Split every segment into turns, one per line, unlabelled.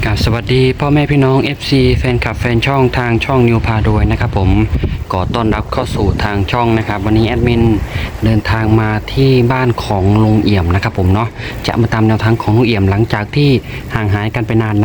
ครับสวัสดีพ่อแม่พี่น้อง FC แฟนคลับแฟนช่องทางช่องนิวพาโดยนะครับผมขอต้อนรับเข้าสู่ทางช่องนะครับวันนี้แอดมินเดินทางมาที่บ้านของลุงเอี่ยมนะครับผมเนาะจะมาตามแนวทางของลุงเอี่ยมหลังจากที่ห่างหายกันไปนาน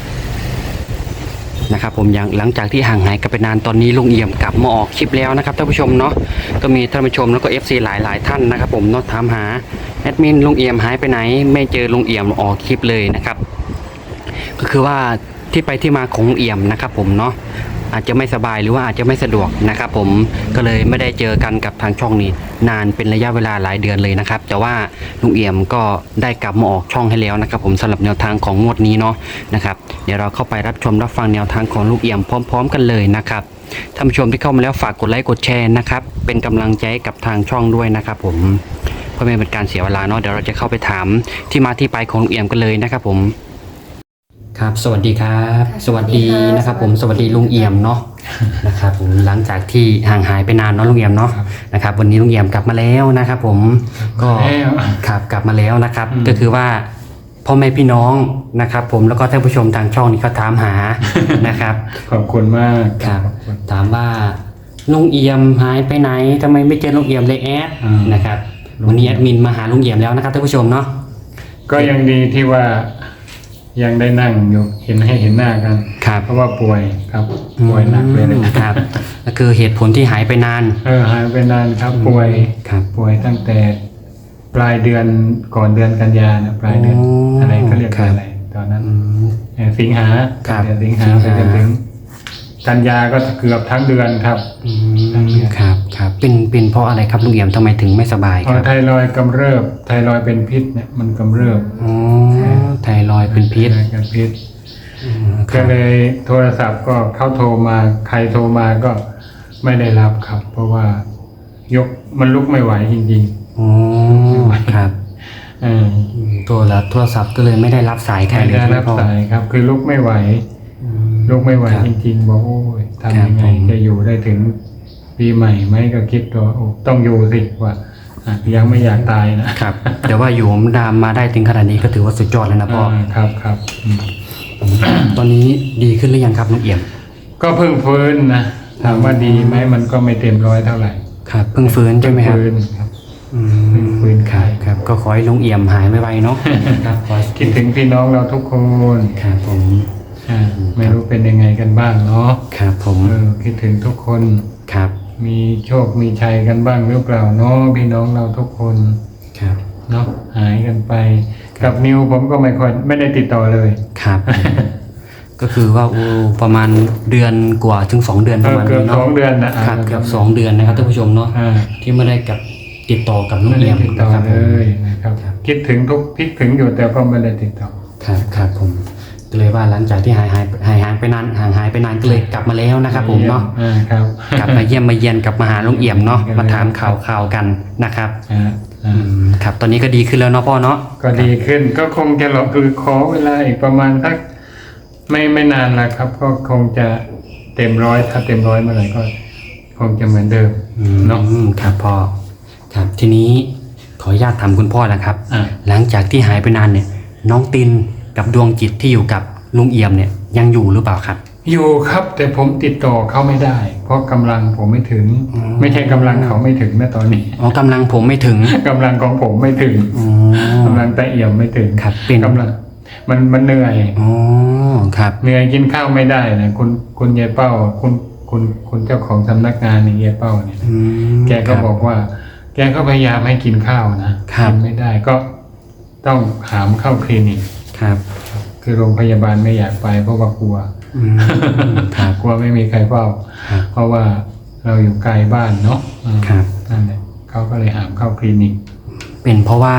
นะครับผมอย่างหลังจากที่ห่างหายกันไปนานตอนนี้ลุงเอี่ยมกลับมาออกคลิปแล้วนะครับท่านผู้ชมเนาะก็มีท่านผู้ชมแล้วก็ FC หลายท่านนะครับผมเนาะถามหาแอดมินลุงเอี่ยมหายไปไหนไม่เจอลุงเอี่ยมออกคลิปเลยนะครับก็คือว่าที่ไปที่มาของลุงเอี่ยมนะครับผมเนาะอาจจะไม่สบายหรือว่าอาจจะไม่สะดวกนะครับผมก็เลยไม่ได้เจอกันกับทางช่องนี้นานเป็นระยะเวลาหลายเดือนเลยนะครับแต่ว่าลุงเอี่ยมก็ได้กลับมาออกช่องให้แล้วนะครับผมสำหรับแนวทางของงวดนี้เนาะนะครับเดี๋ยวเราเข้าไปรับชมรับฟังแนวทางของลุงเอี่ยมพร้อมๆกันเลยนะครับท่านผู้ชมที่เข้ามาแล้วฝากกดไลค์กดแชร์นะครับเป็นกำลังใจให้กับทางช่องด้วยนะครับผมเพื่อไม่เป็นการเสียเวลาเนาะเดี๋ยวเราจะเข้าไปถามที่มาที่ไปของลุงเอี่ยมกันเลยนะครับผมครับสวัสดีครับสวัสดีนะครับผมสวัสดีลุงเอี่ยมเนาะนะครับผมหลังจากที่ห่างหายไปนานเนาะลุงเอี่ยมเนาะนะครับวันนี้ลุงเอี่ยมกลับมาแล้วนะครับผมก็ครับกลับมาแล้วนะครับก็คือว่าพ่อแม่พี่น้องนะครับผมแล้วก็ท่านผู้ชมทางช่องนี้ก็ถามหานะครับ
ขอบคุณมาก
ครับถามว่าลุงเอี่ยมหายไปไหนทำไมไม่เจอลุงเอี่ยมเลยแอดนะครับวันนี้แอดมินมาหาลุงเอี่ยมแล้วนะครับท่านผู้ชมเนาะ
ก็ยังดีที่ว่ายังได้นั่งอยู่เห็นหน้ากัน
ครับ
เพราะว่าป่วยครับป่วยหนักเลย
นะครับก็คือเหตุผลที่หายไปนาน
หายไปนานครับป่วย
ครับ
ป่วยตั้งแต่ปลายเดือนก่อนเดือนกันยานะปลายเดือนอะไรเขาเรียกอะไรตอนนั้นสิงหาเดือนสิงหาไปจนถึงกันยาก็เกือบทั้งเดือนครับ
ครับเป็นเพราะอะไรครับลุงเอี่ยมทำไมถึงไม่สบายครับ
ไทรอยด์กำเริบไทรอยด์เป็นพิษเนี่ยมันกำเริบ
ไทรอยด์เป็นพิษ
ก็เลยโทรศัพท์ก็เข้าโทรมาใครโทรมาก็ไม่ได้รับครับเพราะว่ายกมันลุกไม่ไหวจริง
ๆครับโทรศัพท์ก็เลยไม่ได้รับสายใครเลย
ไม่ได้รับสายครับคือลุกไม่ไหวจริงๆบอกโอ้ยทำยังไงจะอยู่ได้ถึงปีใหม่ไหมก็คิดตัวต้องอยู่สิว่ายังไม่อยากตาย
นะครับแต่ว่าอยู่ดามมาได้ถึงขนาดนี้ก็ถือว่าสุดยอดเลยนะพ่อ
ครับ
ตอนนี้ดีขึ้นหรือยังครับลุงเอี่ยม
ก็เพิ่งฟื้นนะถามว่าดีไหมมันก็ไม่เต็มร้อยเท่าไหร่
ครับเพิ่งฟื้นใช่ไหมครับ
ฟื้น
ครับก็ขอให้ลุงเอี่ยมหายไวๆเนาะ
ครับคิดถึงพี่น้องเราทุกคน
ครับผม
ไม่รู้เป็นยังไงกันบ้างเนาะ
ครับผม
คิดถึงทุกคน
ครับ
มีโชคมีชัยกันบ้างหรือเปล่าเนาะพี่น้องเราทุกคน
ครับ
เนาะหายกันไปกับนิวผมก็ไม่ได้ติดต่อเลย
ครับก็คือว่าประมาณเดือนกว่าถึง2 เดือนประมาณนี้เนาะ
2 เดือนนะครับ
เกือบ2 เดือนนะครับท่านผู้ชมเนาะที่ไม่ได้กับติดต่อกับลุงเอี่ยม
นะครับเลยนะครับคิดถึงอยู่แต่ก็ไม่ได้ติดต่อ
ครับผมก็เลยว่าหลังจากที่หายไปนานก็เลยกลับมาแล้วนะครับผมเนาะกลับมาเยี่ยมมาเยียนกลับมาหาลุงเอี่ยมเนาะมาถามข่าวกันนะครับครับตอนนี้ก็ดีขึ้นแล้วเนาะพ่อเนาะ
ก็ดีขึ้นก็คงจะคือขอเวลาอีกประมาณสักไม่นานละครับก็คงจะเต็มร้อยถ้าเต็มร้อยเมื่อไหร่ก็คงจะเหมือนเดิม
เนาะครับพ่อครับทีนี้ขออนุญาตถามคุณพ่อนะครับหลังจากที่หายไปนานเนี่ยน้องตินกับดวงจิตที่อยู่กับลุงเอี่ยมเนี่ยยังอยู่หรือเปล่าครับ
อยู่ครับแต่ผมติดต่อเขาไม่ได้เพราะกำลังผมไม่ถึงไม่ใช่กำลังเขาไม่ถึงนะตอนนี้
กำลังผมไม่ถึง
กำลังของผมไม่ถึงกำลังตาเอี่ยมไม่ถึง
ครับเป็น
กำลังมันเหนื่อย
ครับ
เหนื่อยกินข้าวไม่ได้นะคุณยายเป้าคุณเจ้าของสำนักงานนี่ยายเป้าเนี่ยแกก็บอกว่าแกก็พยายามให้กินข้าวนะกินไม่ได้ก็ต้องหามเข้าคลินิก
ครับ
คือโรงพยาบาลไม่อยากไปเพราะว่ากลัวกลัวไม่มีใครเฝ้าเพราะว่าเราอยู่ไกลบ้านเนาะนั่นแหละเขาก็เลยหามเข้าคลินิก
เป็นเพราะว่า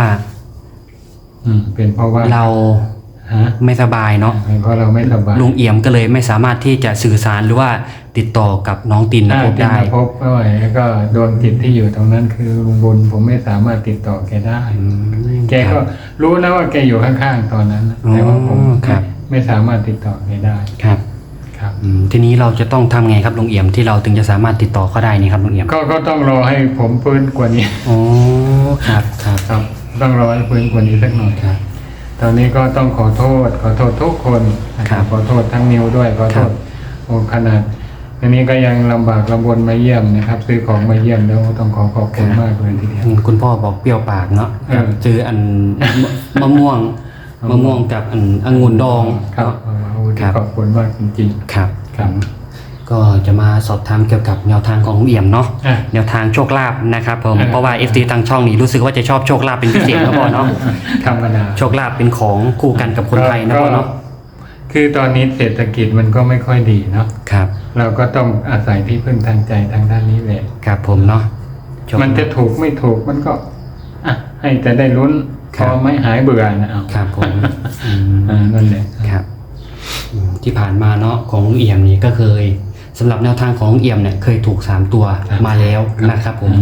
เราไม่สบายเนาะ
เพราะเราไม่สบาย
ลุงเอี่ยมก็เลยไม่สามารถที่จะสื่อสารหรือว่าติดต่อกับน้องตินพบได้
พบไม่ไหวแล้วก็ดวงจิตที่อยู่ตรงนั้นคือลุงบุญผมไม่สามารถติดต่อแกได้แกก็รู้นะว่าแกอยู่ข้างๆตอนนั้นแต่ว่าผมไม่สามารถติดต่อแกได้
ครับทีนี้เราจะต้องทำไงครับลุงเอี่ยมที่เราถึงจะสามารถติดต่อเขาได้นี่ครับลุงเอี่ยม
ก็ต้องรอให้ผมฟื้นกว่านี้
ครับ
ต้องรอให้ฟื้นกว่านี้สักหน่อยครับตอนนี้ก็ต้องขอโทษทุกคนนะครับขอโทษทั้งนิวด้วยขอโทษโอ้ขนาดอันนี้ก็ยังลำบากลำบนมาเยี่ยมนะครับซื้อของมาเยี่ยมแล้วต้องขอบคุณมากเลยทีเดียว
คุณพ่อบอกเปรี้ยวปากเนาะเจออันมะม่วงกับอันองุ่นดอง
ครับ
ครับ
ขอบคุณมากจริง
ครับ
ครับ
ก็จะมาสอบถามเกี่ยวกับแนวทางของลุงเอี่ยมเนาะ
อ่ะ
แนวทางโชคลาภนะครับผม
อ่ะ
เพราะว่า FT ทางช่องนี้รู้สึกว่าจะชอบโชคลาภเป็นพิเศษนะพ่อเนาะ
ธรรมดา
โชคลาภเป็นของคู่กันกับคนไทยนะพ่อเนาะ
คือตอนนี้เศรษฐกิจมันก็ไม่ค่อยดีเนาะ
ครับ
เราก็ต้องอาศัยที่พึ่งทางใจทางด้านนี้แหละ
ครับผมเนาะโชคลาภ
มันจะถูกไม่ถูกมันก็อ่ะให้แต่ได้ลุ้น
ค
พ
รับ
อไม่หายเบื่อนะเอา
ครับผมอืม
นั่นแหละ
ครับที่ผ่านมาเนาะของลุงเอี่ยมนี่ก็เคยสำหรับแนวทางของลุงเอี่ยมเนี่ยเคยถูก3ตัวมาแล้วนะครับผม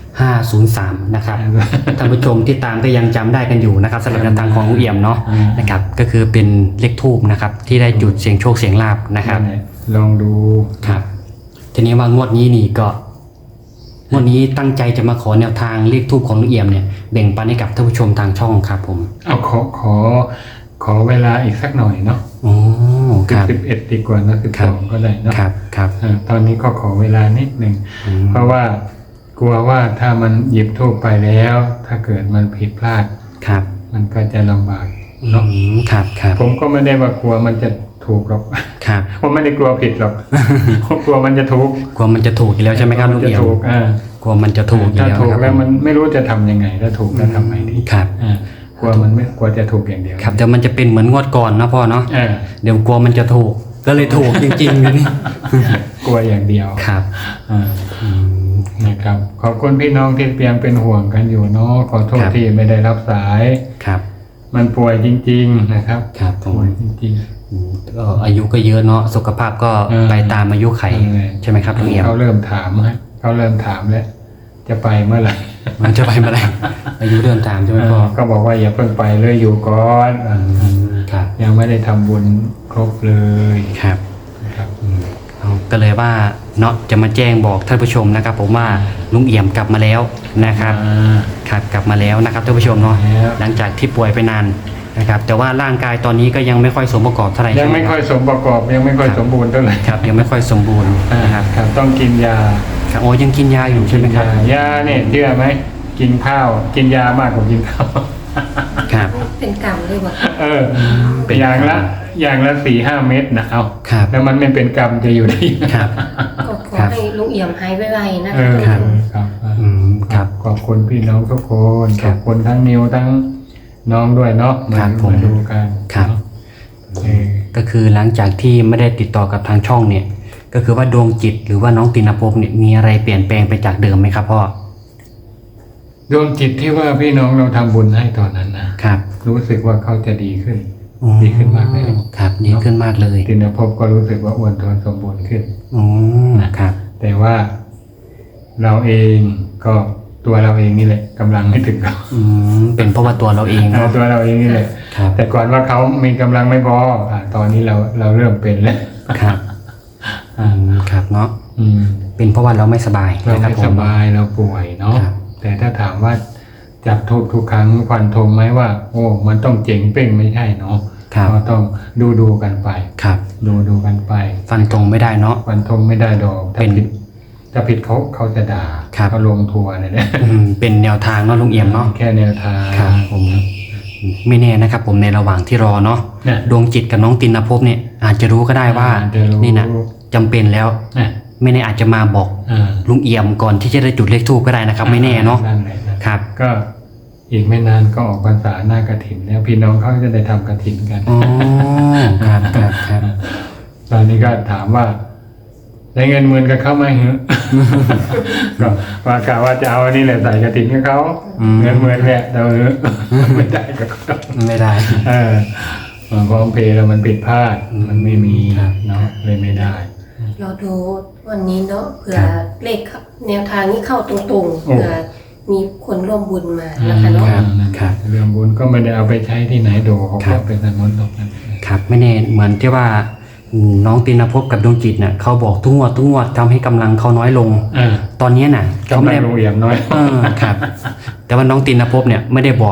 503นะครับท่านผู้ชมที่ตามก็ยังจำได้กันอยู่นะครับสำหรับแนวทางของลุงเอี่ยมเนาะนะครับก็คือเป็นเลขทูบนะครับที่ได้จุดเสียงโชคเสียงลาบนะครับ
นั่นแหละลองดู
ครับทีนี้ว่างวดนี้นี่ก็งวดนี้ตั้งใจจะมาขอแนวทางเลขทูบของลุงเอี่ยมเนี่ยแบ่งปันให้กับท่านผู้ชมทางช่องครับผม
เอาขอเวลาอีกสักหน่อยเนาะ
โอ้ครับ
11ดีกว่านะ
ครับ
12ก็ได้เนาะ
ครับครับ
ตอนนี้ก็ขอเวลานิดหนึ่ง
อืม
เพราะว่ากลัวว่าถ้ามันหยิบทูบไปแล้ว ถ้าเกิดมันผิดพลาด
ครับ
มันก็จะลำบากเนาะ
ครับครับ
ผมก็ไม่ได้ว่ากลัวมันจะถูกหรอก
ครับ
ผมไม่ได้กลัวผิดหรอก ผมกลัวมันจะถูก
กลัวมันจะถูกอีกแล้วใช่ไหมครับลุง
จะ
เอี่ยม
ถูก
กลัวมันจะถูกอีก
ถ้า
แล้ว
ถูก
นะครับ
แล้วมันไม่รู้จะทำยังไงถ้าถูกแล้วทำไงดี
ครับ
กลัวมันไม่กลัวจะถูกอย่างเดียว
ครับเดี๋ยวมันจะเป็นเหมือนงวดก่อนนะพ่อเนาะ
อ่า
เดี๋ยวกลัวมันจะถูกก็เลยถูกจริงๆเลยนี่
กลัวอย่างเดียว
ครับ
อ่า
อืม
นะครับขอบคุณพี่น้องที่เพียงเป็นห่วงกันอยู่เนาะขอโทษ
ครับ
ที่ไม่ได้รับสาย
ครับ
มันป่วยจริง ๆ นะครับ
ครับผม
ป่วยจริง
อืมก็อายุก็เยอะเนาะสุขภาพก็
เออ
ไปตามอายุไข
นั่นแหละ
ใช่ไหมครับลุงเอี่ยม
เขาเริ่มถามแล้วจะไปเมื่อไหร่
มันจะไปเมื่อไหร่อายุเดินทางใช่ไหมพ่อ
ก็บอกว่าอย่าเพิ่งไปเลยอยู่ก่อน
ครับ
ยังไม่ได้ทำบุญครบเลย
ครับ
นะครับ
เอาก็เลยว่าเนาะจะมาแจ้งบอกท่านผู้ชมนะครับ ผมว่าลุงเอี่ยมกลับมาแล้วนะครับครับกลับมาแล้วนะครับท่านผู้ชมเนาะ
แล้ว
หลังจากที่ป่วยไปนานนะครับ แต่ว่าร่างกายตอนนี้ก็ยังไม่ค่อยสมประกอบเท่าไหร่
ยังไม่ค่อยสมประกอบยังไม่ค่อยสมบูรณ์เท่าไหร่
ครับยังไม่ค่อยสมบูรณ์นะครับ
ครับต้องกินยา
ครับโอ้ยังกินยาอยู่ใช่ไหมครับ
ยาเนี่ยเชื่อไหมกินข้าวกินยามากกว่ากินข้าว
ครับ
เป็นกรรมเลยว่ะ
เป็น
อย่างละ4-5 เม็ดนะเอา
ครับ
แล้วมันไม่เป็นกรรมจะอยู่ได้ยังไง
ครับ
ก็ขอ
ครับ
ให้ลุงเอี่ยมหายไวๆนะ
เอ
คะ
อครับ
อืมครับ
ขอบคุณพี่น้องทุกคน
ค
ข
รับ
อบคุณทั้งนิวทั้งน้องด้วยเนาะ
ครับผม
มาดูกัน
ครับ
เนาะเออ
ก็คือหลังจากที่ไม่ได้ติดต่อกับทางช่องเนี่ย ก็คือว่าดวงจิตหรือว่าน้องตินภพเนี่ยมีอะไรเปลี่ยนแปลงไปจากเดิมไหมครับพ่อ
ดวงจิตที่ว่าพี่น้องเราทำบุญให้ตอนนั้นนะครับ รู้สึกว่าเขาจะดีขึ้น
อ๋อ
ดีขึ้นมากเลย
ครับดีขึ้นมากเลย
ตินภพก็รู้สึกว่าอ้วนท้วนสมบูรณ์ขึ้น
อ๋อครับ
แต่ว่าเราเองก็ตัวเราเองนี่แหละกำลังไม่ถึงเขา
เป็นเพราะว่าตัวเราเองเนาะ
ตัวเราเองนี่แหละ
ครับ
แต่ก่อนว่าเขามีกำลังไม่พอตอนนี้เราเริ่มเป็นแล้ว
ครับครับเนาะ
อืม
เป็นเพราะว่าเราไม่สบาย
เรา
นะครับ
ไม่
ผ
ส
ม
บายเราป่วยเนาะ
ครับ
แต่ถ้าถามว่าจับทูบทุกครั้งฟันธงไหมว่า โอ้มันต้องเจ๋งเป้งไม่ใช่เนาะ
ครับ
ก็ต้องดูกันไป
ครับ
ดูกันไป
ฟันตรงไม่ได้เนาะ
ฟันธงไม่ได้ดอกถ้า
เป็น
ผิดเขาจะด่า
ครับ
เขาลงทัวร์เนี่ยนะ
เป็นแนวทางเนาะลุงเอี่ยมเนาะ
แค่แนวทาง
ครับผมไม่แน่นะครับผมในระหว่างที่รอเนาะ
เนี่ย
ดวงจิตกับน้องตินภพเนี่ยอาจจะรู้ก็ได้ว่า
อาจจะรู้
นี่นะจำเป็นแล้ว
เนี่ย
ไม่แน่อาจจะมาบอก
อ่า
ลุงเอี่ยมก่อนที่จะได้จุดเลขทูปก็ได้นะครับ ไม่แน่เนาะ
นั่นแหละนะครับ ก็อีกไม่นานก็ออกพรรษาหน้ากฐินแล้วพี่น้องเขาจะได้ทำกฐินกัน
อ๋อครับครับครับ
ตอนนี้ก็ถามว่าได้เงินหมื่นกับเขาไหมเหรอ ก็ว่ากะว่าจะเอาอันนี้แหละใส่กฐินกับเขาเงินหมื่นเนี่ยเราไม่ได้กับเขา
ไม่ได้
พร้อมเพย์แล้วมันผิดพลาดมันไม่มี
ครับ
เนาะเลยไม่ได้
เราดูวันนี้เนาะเผื่อ
ครับ
เลขเข้าแนวทางนี้เข้าตรงๆ
โอ้
เผื่อมีคนร่วมบุญมานะคะเนาะ
ครับ
เรื่องบุญก็ไม่ได้เอาไปใช้ที่ไหนโดเขา
ครั
ก็
บ
เป็นสมุนตกนั้น
ครับไม่แน่เหมือนที่ว่าน้องตินภพกับดวงจิตเนี่ยเขาบอกทุกงวดทำให้กำลังเขาน้อยลง ตอนนี้น่ะเขา
กำ
ไม่
ลัง
ได้
ลงเอี่ยมน้อย
ครับ แต่ว่าน้องตินภพเนี่ยไม่ได้บอก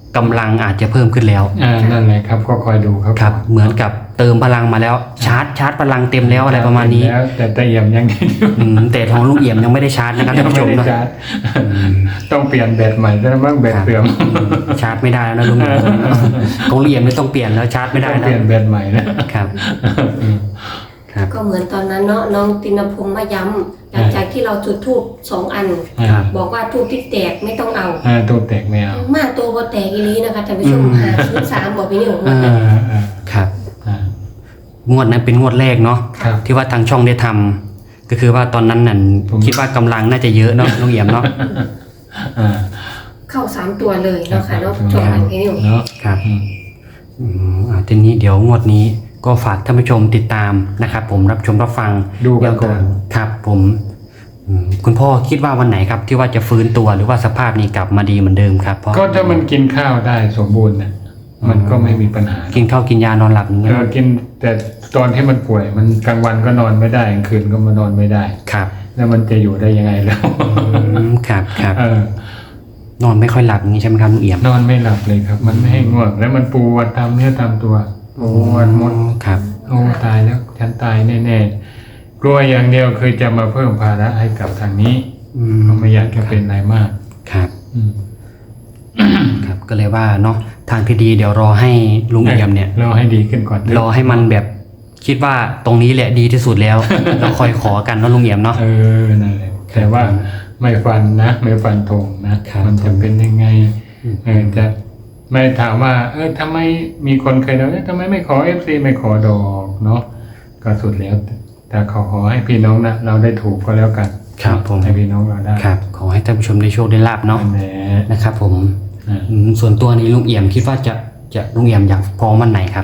กำลังอาจจะเพิ่มขึ้นแล้ว
นั่นแหละครับก็คอยดูครับ
ครับเหมือนกับเติมพลังมาแล้วชาร์จพลังเต็มแล้วอะไรประมาณนี้
แล้วแต่ตะเอี่ยมยัง
แต่ทองลุงเอี่ยมยังไม่ได้ชาร์จนะครับท่านผู้ชม
ไม่ได้
เนาะ
ชาร์จต้องเปลี่ยนแบตใหม่แล้วมั้งแบตเสื่อม
ชาร์จไม่ได้แล้วนะลุงเอี่ยมของลุงเอี่ยมไม่ต้องเปลี่ยนแล้วชาร์จไม่ได้
ต้อง
นะ
เปลี่ยนแบตใหม่นะครับ
ครับ
ก็เหมือนตอนนั้นเนาะน้องตินพงษ์มาย้ำหลังจากที่เราจุดธูป2 อัน
ครับ
บอกว่าธูปที่แตกไม่ต้องเอา
ตัวแตกไม่เอา
มาตัวบ่แตกอีหลีนะคะท่านผู้ชมหา03บอกพี่นิว
ครับงวดนั้นเป็นงวดแรกเนาะ
ครับ
ที่ว่าทางช่องได้ทำก็คือว่าตอนนั้นน่ะคิดว่ากำลังน่าจะเยอะเนาะลุงเอี่ยมเนาะ
เข้า3 ตัวเลยเนาะค่ะเนาะชมกันพี่นิว
เนาะ
ครับทีนี้เดี๋ยวงวดนี้ก็ฝากท่านผู้ชมติดตามนะครับผมรับชมรับฟัง
ดูกันก่อน
ครับผมคุณพ่อคิดว่าวันไหนครับที่ว่าจะฟื้นตัวหรือว่าสภาพนี้กลับมาดีเหมือนเดิมครับพ่อ
ก็ถ้ามันกินข้าวได้สมบูรณ์นะมันก็ไม่มีปัญหา
กินข้าวกินยานอนหลับอย่างเงี้ย
กินแต่ตอนที่มันป่วยมันกลางวันก็นอนไม่ได้กลางคืนก็มานอนไม่ได้
ครับ
แล้วมันจะอยู่ได้ยังไงแล้ว
ครับครับ
เออน
อนไม่ค่อยหลับอย่างนี้ใช่ไหมครับลุงเอี่ยม
นอนไม่หลับเลยครับ มันไม่ให้ง่วงแล้วมันปวดตามเนื้อตามตัวปวดหมด
ครับ
โอ้ตายแล้วฉันตายแน่ๆกลัวอย่างเดียวคือจะมาเพิ่มภาระให้กับทางนี้ก็ไม่อยากจะเป็นอะไรมาก
ครับ
อืม
ครับก็เลยว่าเนาะทางที่ดีเดี๋ยวรอให้ลุงเอี่ยมเนี่ย
รอให้ดีขึ้นก่อน
รอให้มันแบบคิดว่าตรงนี้แหละดีที่สุดแล้ว เราคอยขอกันเนาะลุงเอี่ยมเนาะ
นั่นแหละแต่ว่าไม่ฟันนะไม่ฟันธงนะครับ มันจะเป็นยังไงจะไม่ถามว่าทำไมมีคนเคยเราทำไมไม่ขอ FC ไม่ขอดอกเนาะก็สุดแล้วแต่ขอให้พี่น้องนะเราได้ถูกก็แล้วกัน
ครับผม
ให้พี่น้องเราได้
ครับขอให้ท่านผู้ชมได้โชคได้ลาบเนาะ
นั่นแหละ
นะครับผม
อ่า
ส่วนตัวนี้ลุงเอี่ยมคิดว่าจะลุงเอี่ยมอยากพร้อมวันไหนครับ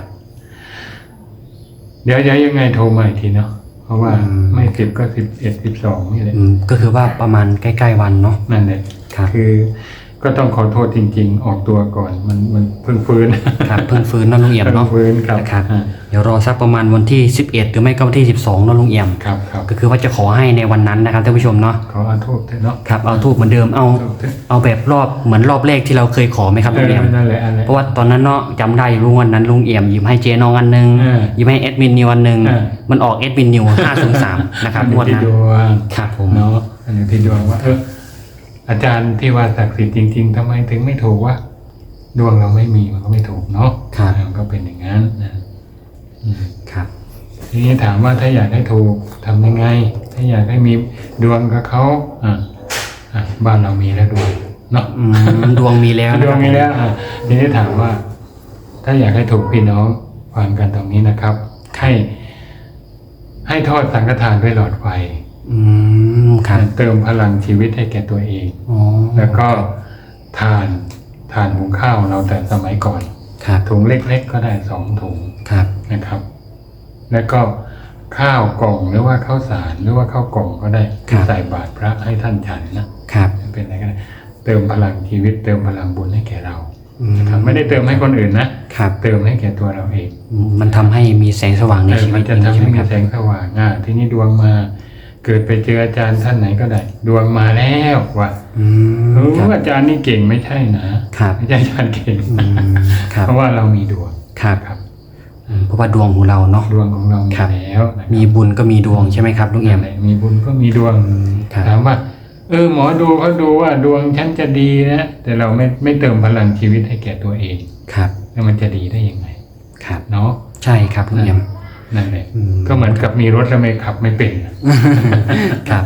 เดี๋ยวยังไงโทรมาอีกทีเนาะเพราะว่า
อืม
ไม่10ก็11 12นี่แหละ
ก็คือว่าประมาณใกล้ๆวันเนาะ
นั่นแหละ
ครับ
คือก็ต้องขอโทษจริง ๆ ออกตัวก่อนมันเพิ่งฟื้น
ครับเพิ่งฟื้นเนาะลุงเอี่ยม
เพิ่
เนาะ
งฟื้นครับ
นะครับ
อ่า
เดี๋ยวรอสักประมาณวันที่11หรือไม่ก็วันที่12เนาะลุงเอี่ยม
ครับ
ก็คือว่าจะขอให้ในวันนั้นนะครับท่านผู้ชมเนาะ
ขอโทษเถอะเนาะ
ครับเอาทูบเหมือนเดิมเอาแบบรอบเหมือนรอบแรกที่เราเคยขอไหมครับลุงเอี่ยม
นั่นแหละอันแหละ
เพราะว่าตอนนั้นเนาะจำได้รู้วันนั้นลุงเอี่ยมยิ้มให้เจ๊น้องอันหนึง ยิ้มให้แอดมินนิวอันหนึง มันออกแอดมินนิว503นะครับงวด
ที่
นั้น
ดวง
ครับผม
เนาะอันนี้ที่ดวงว่าอาจารย์ที่ว่าศักดิ์สิทธิ์จริง ๆทำไมถึงไม่ถูกวะดวงเราไม่มีมันก็ไม่ถูกเนาะ
ครับ
มันก็เป็นอย่างนั้นนะอืม
ครับ
ทีนี้ถามว่าถ้าอยากให้ถูกทำยังไง ถ้าอยากให้มีดวงกับเขาบ้านเรามีแล้วดวงเนาะ
ดวงมีแล้ว
ดวงมีแล้วทีนี้ถามว่า ถ้าอยากให้ถูกพี่น้องฟังกันตรงนี้นะครับ ให้ทอดสังฆทานด้วยหลอดไฟ
ครับ
เติมพลังชีวิตให้แก่ตัวเอง
อ๋อ
แล้วก็ทานหุงข้าวเราแต่สมัยก่อน
ครับ
ถุงเล็กๆก็ได้2 ถุง
ครับ
นะครับ แล้วก็ข้าวกล่องหรือว่าข้าวสารหรือว่าข้าวกล่องก็ได้ใส่บาตรพระให้ท่านฉันนะครับ เป็นอะไรก็ได้เติมพลังชีวิตเติมพลังบุญให้แก่เรานะครับไม่ได้เติมให้คนอื่นนะครับ เติมให้แก่ตัวเราเอง
มันทำให้มีแสงสว่างในชีวิ
มั
ต
นจะทำ
ใช่
ให้
ไหม
มี
ครับ
แสงสว่างทีนี้ดวงมา เกิดไปเจออาจารย์ท่านไหนก็ได้ ดวงมาแล้วว่ะ
ครับ
อาจารย์นี่เก่งไม่ใช่นะครับ ไม่ใช่อาจารย์เก่ง
ครับ
เพราะว่าเรามีดวง
ครับ
ครับ
เพราะว่าดวงของเราเนาะ
ดวงของเรามี
ครับ
แล้วนะครับ
มีบุญก็มีดวงใช่ไหมครับลุงเอี่ยม
นั่นแหละมีบุญก็มีดวง
ครับ
ถามว่าหมอดูเขาดูว่าดวงฉันจะดีนะแต่เราไม่เติมพลังชีวิตให้แก่ตัวเอง
ครับ
แล้วมันจะดีได้ยังไง
ครับ
เนาะ
ใช่ครับลุงเอี่ยม
นั่นแหละ
อืม
ก็เหมือนกับมีรถแล้วไม่ขับไม่เป็น
ครับ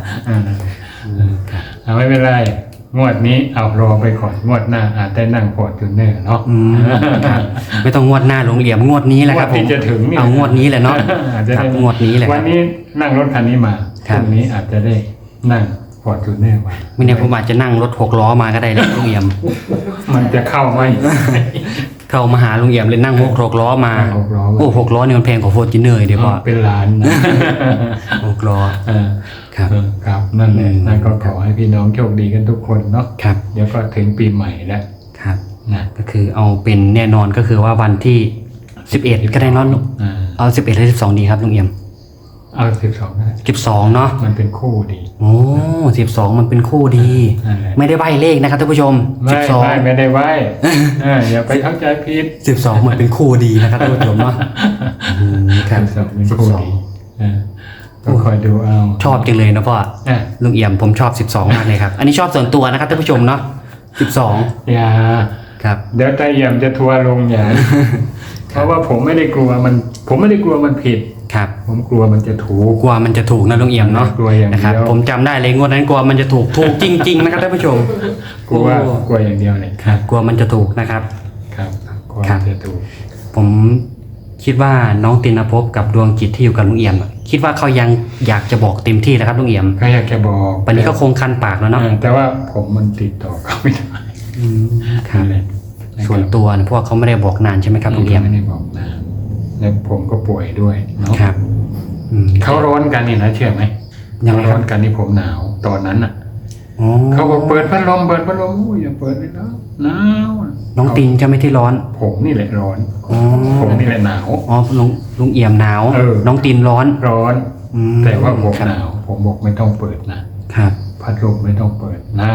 ไม่เป็นไรงวดนี้เอารอไปก่อนงวดหน้าอาจได้นั่งฟอร์จูเนอร์เนาะ
ครับไม่ต้องงวดหน้าลุงเอี่ยมงวดนี้แหละครับ
งวดที่จะถึงเนี่ย
เอางวดนี้แหละเนาะ
อาจจะ
ครั
ได้
บงวดนี้แหละค
วั
รั
น
บ
นี้นั่งรถคันนี้มา
ครั
พ
บ
รุ่งนี้อาจจะได้นั่งฟอร์จูเนอร์มา
ไม่แน่ผมอาจจะนั่งรถ6 ล้อมาก็ได้แล้วลุงเอี่ยม
มันจะเข้าไหม
เข้ามาหาลุงเอี่ยมเลยนั่ง6 ล้อมา
นั่ง6 ล้อมา
โอ้6 ล้อนี่มันแพงกว่าโฟร์จูเนอร์เดี๋ยวพ่อ
เป็นล้านนะ
6 ล้อ
เออ
ครับ
ครับนั่นแหละนั่นก็ขอให้พี่น้องโชคดีกันทุกคนเนาะ
ครับ
เดี๋ยวก็ถึงปีใหม่แล้ว
ครับ
นะ
ก็คือเอาเป็นแน่นอนก็คือว่าวันที่11ก็ได้เนอน
อ่า
เอา11หรือ12ดีครับลุงเอี่ยม
เอา12ก็ได้
12เนาะ
มันเป็นคู่ดี
โอ้12มันเป็นคู่ดี
นั่นแหละ
ไม่ได้ใบเลขนะครับท่านผู้ชม
ไม่ได้ไหวอย่าไปเข้าใจผิด
12มันเป็นคู่ดีนะครับท่านผู้ชมเนาะครับ
12เป็นคู่ดีก็คอยดูเอา
ชอบจังเลยนะพ่อ
อ่ะ
ลุงเอี่ยมผมชอบ12มากเลยครับอันนี้ชอบส่วนตัวนะครับท่านผู้ชมเนาะ12
อย่า
ครับ
เดี๋ยวตาเอี่ยมจะทัวร์ลงอย่าเพราะว่าผมไม่ได้กลัวมันผิด
ครับ
ผมกลัวมันจะถูก
กลัวมันจะถูกนะลุงเอี่ยมเนาะ
กลัวอย่างเดียว
นะครับผมจำได้เลยงวดนั้นกลัวมันจะถูกจริงๆนะครับท่านผู้ชม
กลัวอย่างเดียวเลย
ครับกลัวมันจะถูกนะครับ
ครับกลัว
ครับ
มันจะถูก
ผมคิดว่าน้องตินภพกับดวงจิตที่อยู่กับลุงเอี่ยมอะคิดว่าเขายังอยากจะบอกเต็มที่แล้วครับลุงเอี่ยม
ก็อยากจะบอก
วันนี้ก็คงคันปากแล้วเนาะ
แต่ว่าผมมันติดต่อเขาไม่ได้
ครับ
นั่นแหละ
ส่วนตัวนะเพราะว่าเขาไม่ได้บอกนานใช่ไหมครับลุงเอี่ยม
ไม่ได้บอกนานแล้วผมก็ป่วยด้วยเนาะ
ครับอืม
เขาร้อนกันนี่นะเชื่อไหม
ยังไงครับ
ร้อนกันนี่ผมหนาวตอนนั้นอ่ะ
อ๋อ
เขาบอกเปิดพัดลมอุ้ยอย่าเปิดเลยนะหนาวอะ
น้องตินจะไม่ที่ร้อน
ผมนี่แหละร้อน
อ๋อ
ผมนี่แหละหนาว
อ๋อลุงเอี่ยมหนาว
เออ
น้องตินร้อน
ร้อน
อืม
แต่ว่าผม
ครับ
หนาว ผมบอกไม่ต้องเปิดนะครับ พัดลมไม่ต้องเปิดหนาว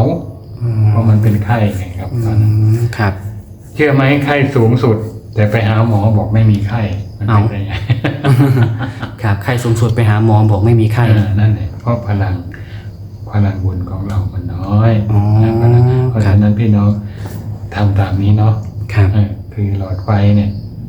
อืม
เพราะมันเป็นไข้ไงครับตอนนั้น
ครับ
เชื่อไหมไข้สูงสุด แต่ไปหาหมอบอกไม่มีไข้มันเป็นได้ไง
ครับไข้สูงสุดไปหาหมอบอกไม่มีไข้
นั่นแหละเพราะพลังบุญของเรามันน้อย
อ๋อ
เพราะฉะนั้นพี่น้องทำตามนี้เนาะ
ครับ
คือหลอดไฟเนี่ย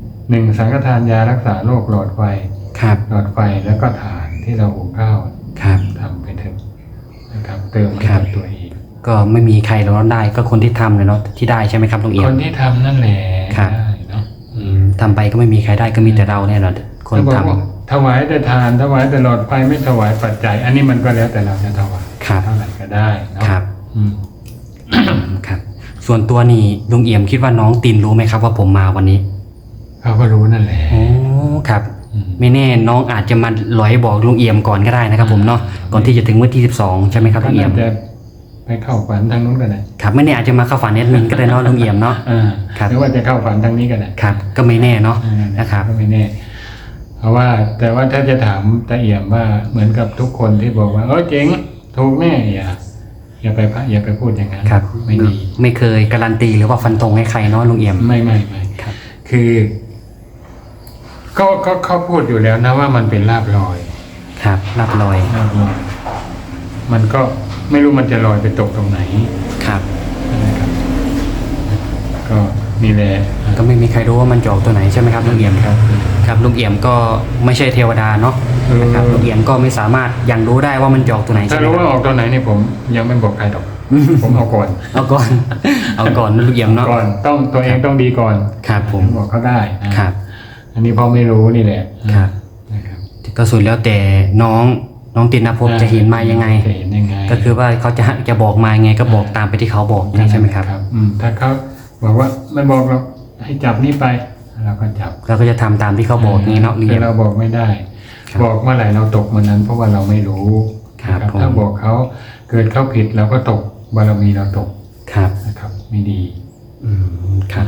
1สังฆทานยารักษาโรคหลอดไฟ
ครับ
หลอดไฟแล้วก็ถ่านที่เราหุงข้าว
ครับ
ทำไปเถอะนะครับ เติมให้
ครับ
กับตัวเอง
ก็ไม่มีใครร้อนได้ก็คนที่ทำเลยเนาะที่ได้ใช่ไหมครับลุงเอี่ย
ค
ม
นที่ทำนั่นแหละ
ครับ
ได้เนาะ
ทำไปก็ไม่มีใครได้ก็มีแต่เราเนี่ยแหละคน
ถ้าบอก
ทำ
ว่าถวายแต่ทานถวายแต่หลอดไฟไม่ถวายปัจจัย อันนี้มันก็แล้วแต่เราจะถวาย
ครับ
เท่าไหร่ก็ได้เนาะ
ครับ
อืม
ครับ ส่วนตัวนี่ลุงเอี่ยมคิดว่าน้องตินรู้ไหมครับว่าผมมาวันนี้
เขาก็รู้นั่นแหละ
โอ้ครับ
อืม
ไม่แน่น้องอาจจะมาหลอยบอกลุงเอี่ยมก่อนก็ได้นะครับผมเนาะก่อนที่จะถึงวันที่12ใช่ไหมครับลุงเอี่ยม
ก็น่าจะไปเข้าฝันทางนู้นก็ได้
ครับไม่แน่อาจจะมาเข้าฝันแอดมินก็ได้เนาะลุงเอี่ยมเนาะ ครับ
หรือว่าจะเข้าฝันทางนี้ก็ได้
ครับก็ไม่แน่เนาะ นะครับ
ก็ไม่แน่ เพราะว่าแต่ว่าถ้าจะถามตาเอี่ยมว่าเหมือนกับทุกคนที่บอกว่าเจ๋งถูกแน่อย่าไปพูดอย่างนั้น
ครับ
ไม่ดี
ไม่เคยการันตีหรือว่าฟันธงให้ใครเนาะลุงเอี่ยม
ไม่
ครับ
คือก็เขาพูดอยู่แล้วนะว่ามันเป็นลาบลอย
ครับรับลอย
ลาบลอยมันก็ไม่รู้มันจะลอยไปตกตรงไหน
ครับ
นะครับก็นี่แหละ
ก็ไม่มีใครรู้ว่ามันจะออกตัวไหนใช่ไหมครับลุงเอี่ยม
ครับ
ครับลุงเอี่ยมก็ไม่ใช่เทวดาเนาะนะครับลุงเอี่ยมก็ไม่สามารถยังรู้ได้ว่ามันจะออกตัวไหน
ถ้า
ใช่ไหม
รู้
ค
ว่า
รับ
ออกตัวไหนนี่ผมยังไม่บอกใครหรอก ผมเอาก่อน
เอาก่อน เอาก่อนนะลุงเอี่ยมเนาะ
ก่อนต้องตัวเองต้องดีก่อน
ครับผม
บอกเขาได้นะครับ อันนี้พอไม่รู้นี่แหละ
ครับ
นะครับ
ก็สุดแล้วแต่น้องตินภพจะเห็นมายังไง
จะเห็นยังไง
ก็คือว่าเขาจะบอกมายังไงก็บอกตามไปที่เขาบอกใช่ไหมครับ
ถ้าเขาบอกว่าไม่บอกเราให้จับนี่ไปเราก็จับ
เราก็จะทำตามที่เขาบอกนี่เนาะลุง
คื
เอี่
อย
ม
เราบอกไม่ได้
ครับ
บอกเมื่อไหร่เราตกเมื่อนั้น เพราะว่าเราไม่รู้
ครับ
นะ
ผม
ถ้าบอกเขาเกิดเขาผิดเราก็ตกบารมีเราตก
ครับ
นะครับ ไม่ดี
ครับ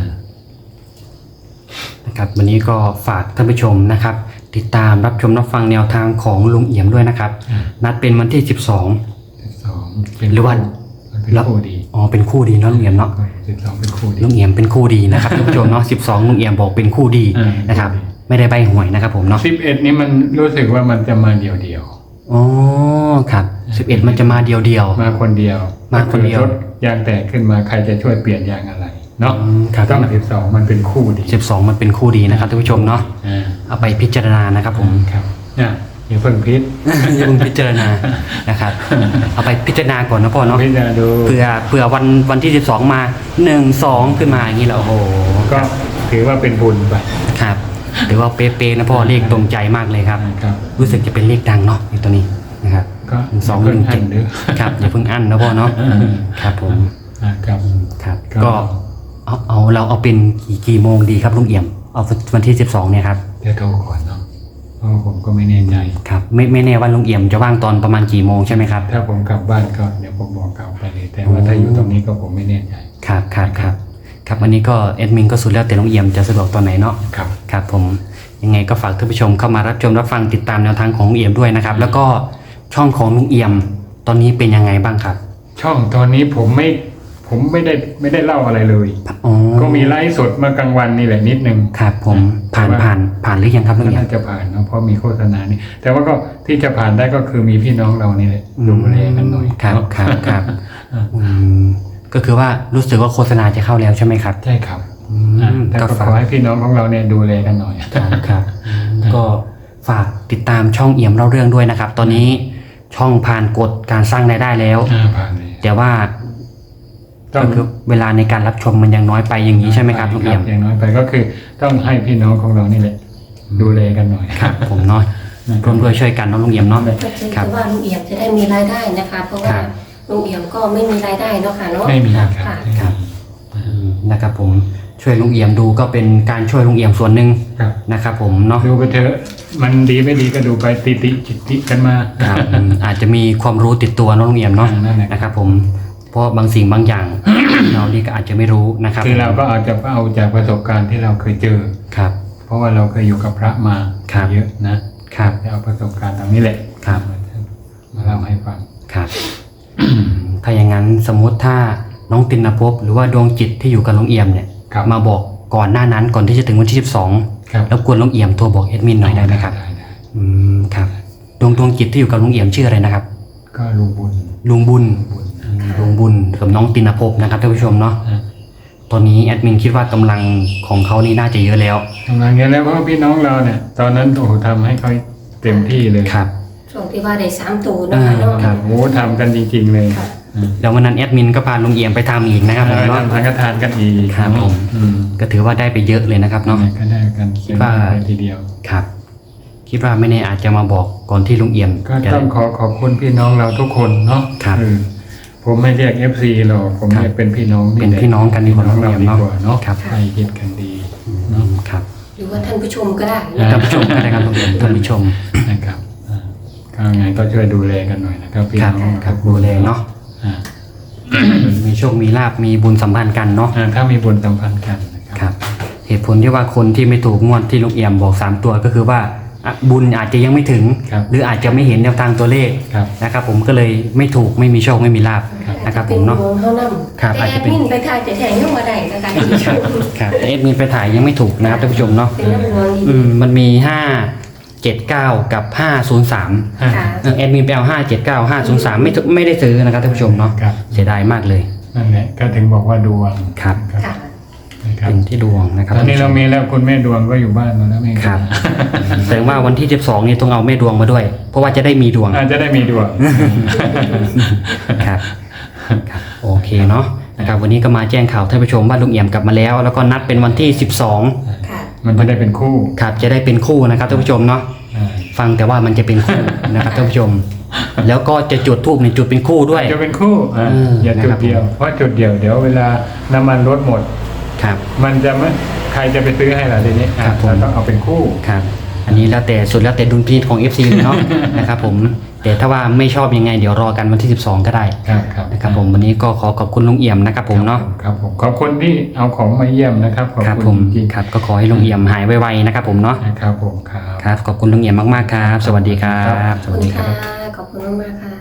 นะครับ วันนี้ก็ฝากท่านผู้ชมนะครับ ติดตามรับชมรับฟังแนวทางของลุงเอี่ยมด้วยนะครับ นัดเป็นวันที่
12เป็น
หรือว่า
มันเป็นคู่ดี
12อ๋อเป็นคู่ดีเนาะลุงเอี่ยมเนาะ
12เป็นคู่ดี
ลุงเอี่ยมเป็นคู่ดีนะครับ ท่านผู้ชมเนาะ12ลุงเอี่ยมบอกเป็นคู่ดี
อืม
นะครับ ไม่ได้ใบหวยนะครับผมเนาะ
11นี่มันรู้สึกว่ามันจะมาเดียว
อ๋อครับ11มันจะมาเดียว
ๆมาคนเดียว
มาคนเดียว
รถยางแตกขึ้นมาใครจะช่วยเปลี่ยนยางอะไรเนาะ
ครับ
ต้อง12มันเป็นคู่ดี
12มันเป็นคู่ดีนะครับท่านผู้ชมเนาะ
อ่า
เอาไปพิจารณานะครับผม
ครับอย่าเพิ่งพิษ
อย่าเพิ่งพิจารณานะครับ เอาไปพิจารณาก่อนนะพ่อเนาะ
พิจารณาดู
เผื่อวันที่12มา1-2ขึ้นมาอย่างนี้แล้วโอ้โห
ก็ถือว่าเป็นบุญไป
ครับหรือว่าเป๊ะๆนะพ่อเลขตรงใจมากเลยครับ
ครับ
รู้สึกจะเป็นเลขดังเนาะในตัวนี้นะครับ
ก็
217
เด้อ
ครับอย่าเพิ่งอั้นนะพ่อเนาะครับผม
ครับ
ครับ
ก็
ก็เราเอาเป็นกี่โมงดีครับลุงเอี่ยมเอาวันที่12เนี่ยครับ
เดี๋ยวโทรก่อนเนาะเพราะผมก็ไม่แน่ใจ
ครับไม่แน่ว่าลุงเอี่ยมจะว่างตอนประมาณกี่โมงใช่ไหมครับ
ถ้าผมกลับบ้านก็เดี๋ยวผมบอกกลับไปเลย แต่ว่าถ้าอยู่ตรงนี้ก็ผมไม่แน่ใจ
ครับวันนี้ก็แอดมินก็สุดแล้วแต่ลุงเอี่ยมจะสะดวกตอนไหนเนาะ
ครับ
ครับผมยยังไงก็ฝากท่านผู้ชมเข้ามารับชมรับฟังติดตามแนวทางของลุงเอี่ยมด้วยนะครับ แล้วก็ช่องของลุงเอี่ยมตอนนี้เป็นยังไงบ้างครับ
ช่องตอนนี้ผมไม่ได้เล่าอะไรเลย
อ๋อ
ก็มีไลฟ์สดเมื่อกลางวันนี่แหละนิดนึง
ครับผมผ่านหรือยังครับลุง
ก็
เอี่ยม
น่าจะผ่านเนาะเพราะมีโฆษณานี่แต่ว่าก็ที่จะผ่านได้ก็คือมีพี่น้องเรานี่แหละดูแลกันหน่อย
ครับ
เนาะ
ครับก็คือว่ารู้สึกว่าโฆษณาจะเข้าแล้วใช่ไหมครับ
ใช่ครับ
อืม
แต่
ก็
ก็ข
ฝา
อก ให้พี่น้องของเราเนี่ยดูแลกันหน่อย
ครับก็ฝากติดตามช่องเอี่ยมเล่าเรื่องด้วยนะครับ ตอนนี้ช่องผ่านกฎการสร้างรายได้แล้ว
ผ่านเลย
แต่ว่า
ต้อ
ก็
ง
คือเวลาในการรับชมมันยังน้อยไปอย่างนี้ใช่ไหมครับลุงเอี่ยม
อย่างน้อยไปก็คือต้องให้พี่น้องของเรานี่แหละดูแลกันหน่อย
ครับผมเนาะร่วมด้วยช่วยกันเนาะลุงเอี่ยมเนาะ
ก็คือว่าลุงเอี่ยมจะได้มีรายได้นะคะ เพราะว่า
ครับ
ลุงเอี่ยมก็ไม่มีรายได้เนาะค่ะเนาะ
ไม่มีครับ
ค่ะ
ครับนะครับผมช่วยลุงเอี่ยมดูก็เป็นการช่วยลุงเอี่ยมส่วนหนึ่ง
ครับ
นะครับผมเนาะ
ดูไปเถอะมันดีไม่ดีก็ดูไปติจิตติกันมา
ครับอาจจะมีความรู้ติดตัวเนาะลุงเอี่ยมเนาะ
นั่นแหละ
นะครับผมเพราะบางสิ่งบางอย่าง เรานี่ก็อาจจะไม่รู้นะครับ
คือเราก็อาจจะเอาจากประสบการณ์ที่เราเคยเจอ
ครับ
เพราะว่าเราเคยอยู่กับพระมา
ครับ
เยอะนะครับ จะเอาประสบการณ์ตรงนี้แหละ
ครับ
มาเล่าให้ฟัง
ครับถ้าอย่างนั้นสมมุติถ้าน้องตินภพหรือว่าดวงจิตที่อยู่กับลุงเอี่ยมเนี่ย
ครับ
มาบอกก่อนหน้านั้นก่อนที่จะถึงวันที่
ครับ
12แล้วกวนลุงเอี่ยมโทรบอกเอดมินหน่อยได้ไหมครับ
ได้
ครับดวงจิตที่อยู่กับลุงเอี่ยมชื่ออะไรนะครับ
ก็ลุงบุญ
ลุงบุญ
บุญ
ลุงบุญกับน้องตินภพนะครับท่านผู้ชมเนาะ
อ่ะ
ตอนนี้แอดมินคิดว่ากำลังของเขานี่น่าจะเยอะแล้ว
ทำงานเงี้ยแล้วเพราะว่าพี่น้องเราเนี่ย ตอนนั้นโอ้โหทำให้เขาเต็มที่เลย
ครับ
ช่วงที่ว่าได้3ตัวเนาะค่ะเนาะ
ครับโอ้โหทำกันจริง ๆ เลย
ค่ะ
แล้ววันนั้นแอดมินก็พาลุงเอี่ยมไปทำอีกนะครับผม
ท
เนาะ
ำทานก็ทานกันอีก
ครับผม
อืม
ก็ถือว่าได้ไปเยอะเลยนะครับเนาะ
ก็ได้กัน
คิดว่า
เป็นทีเดียว
ครับ คิดว่าไม่แน่อาจจะมาบอกก่อนที่ลุงเอี่ยม
ก็
จะ
ต้องขอบคุณพี่น้องเราทุกคนเนาะ
ครับ
ผมไม่เรียก FC หรอกผม
ครับ
เรียกเป็นพี่น้อง
เป็นพี่น้องกันดีกว่า
พี่น้องเรา
เนาะ
ดีกว่าเนาะ
ครับ
ใครคิดกันดี
ครับ
หรือว่าท่านผู้ชมก็ได้
ท่านผู้ชมก็ได้ครับลุงเอี่ยมท่านผู้ชม
นะครับก็ไงก็ช่วยดูแลกันหน่อยนะครับพี่
ครับ
น้อง
ครับดูแลเนาะ
อ่า
มีโชคมีลาบมีบุญสัมพันธ์กันเนาะ
ถ้ามีบุญสัมพันธ์กันนะค
ครับ รับ เหตุผลที่ว่าคนที่ไม่ถูกงวดที่ลุงเอี่ยมบอก3ตัวก็คือว่าอ่ะบุญอาจจะยังไม่ถึง
ครับ
หรืออาจจะไม่เห็นแนวทางตัวเลข
ครับ
นะครับ ผมก็เลยไม่ถูกไม่มีโชคไม่มีลาบนะครับผมเนาะ
อจจป็ดวงเท่านั้น
ครับ
แต่
อาจ
แอ
จะ
ด
เป็น
มินไปถ่ายแต่แทงเข้ามาได้นะคะท่านผู้ชม
ครับแต่เอ็ดมินไปถ่ายยังไม่ถูกนะครับท่านผู้ชมเนาะ
เป็นน้ำดวงดี
มันมี579กับ503
ค่ะ
แอดมินไปเอา579 503ไม่ได้ซื้อนะครับท่านผู้ชมเนาะ
ครับ
เสียดายมากเลย
นั่นแหละก็ถึงบอกว่าดวง
ครับ
ค่ะ
นะครับ
เป็นที่ดวงนะครับ
ตอนนี้เรามีแล้วคุณแม่ดวงก็อยู่บ้านมาแล้วแม่
ครับแสดงว่าวันที่12นี่ต้องเอาแม่ดวงมาด้วย เพราะว่าจะได้มีดวง
อาจจะได้มีดวง
ครับครับโอเคเนาะนะครับวันนี้ก็มาแจ้งข่าวท่านผู้ชมว่าลุงเอี่ยมกลับมาแล้ว แล้วก็นัดเป็นวันที่12
ค่ะ
มันจะได้เป็นคู่
ครับจะได้เป็นคู่นะครับท่านผู้ชมเนาะ
อ่า
ฟังแต่ว่ามันจะเป็นคู่นะครับท่านผู้ชม แล้วก็จะจุดธูปในจุดเป็นคู่ด้วย
จะเป็นคู่อย่าจุดเดียวเพราะจุดเดียวเดี๋ยวเวลาน้ำมันลดหมด
ครับ
มันจะไม่ใครจะไปซื้อให้ล่ะทีนี้
ครับผม
เราต้องเอาเป็นคู่
ครับอันนี้แล้วแต่สุดแล้วแต่ดุลพินิจของ FC เลยเนาะ นะครับผมแต่ถ้าว่าไม่ชอบยังไงเดี๋ยวรอกันวันที่12ก็ได้
ครับ
นะครับผมวันนี้ก็ขอบคุณลุงเอี่ยมนะครับผมเนาะ
ครับผมขอบคุณที่เอาของมาเยี่ยมนะครับขอบ
ครับผ
คุ
ม
ณจริง
ครับก็ขอให้ลุงเอี่ยมหายไวๆนะครับผมเนาะ
นะครับผมครับ
ครับขอบคุณลุงเอี่ยมมากๆครับ สวัสดีครับ
ขอบคุณค่ะ ขอบคุณมากๆค่ะ